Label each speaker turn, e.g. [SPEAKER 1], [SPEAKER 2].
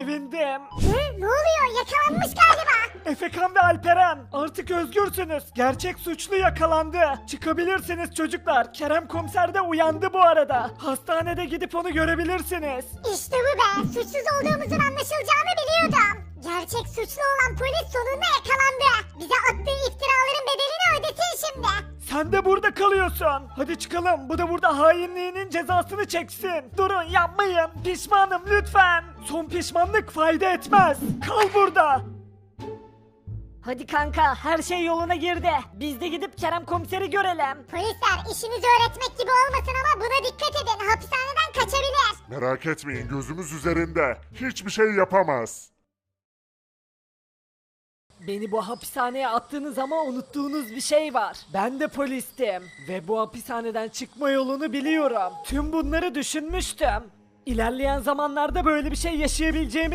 [SPEAKER 1] Sevindim.
[SPEAKER 2] Ne oluyor? Yakalanmış galiba.
[SPEAKER 1] Efekan ve Alperen artık özgürsünüz. Gerçek suçlu yakalandı. Çıkabilirsiniz çocuklar. Kerem komiser de uyandı bu arada. Hastanede gidip onu görebilirsiniz.
[SPEAKER 2] İşte bu be. Suçsuz olduğumuzun anlaşılacağını biliyordum. Gerçek suçlu olan polis sonunda yakalandı. Bize attığı iftiraların bedelini ödesin şimdi.
[SPEAKER 1] Sen de burada kalıyorsun. Hadi çıkalım. Bu da burada hainliğinin cezasını çeksin. Durun yapmayın. Pişmanım lütfen. Son pişmanlık fayda etmez. Kal burada. Hadi kanka her şey yoluna girdi. Biz de gidip Kerem komiseri görelim.
[SPEAKER 2] Polisler işinizi öğretmek gibi olmasın ama buna dikkat edin. Hapishaneden kaçabilir.
[SPEAKER 3] Merak etmeyin, gözümüz üzerinde. Hiçbir şey yapamaz.
[SPEAKER 1] Beni bu hapishaneye attığınız ama unuttuğunuz bir şey var. Ben de polistim ve bu hapishaneden çıkma yolunu biliyorum. Tüm bunları düşünmüştüm. İlerleyen zamanlarda böyle bir şey yaşayabileceğimi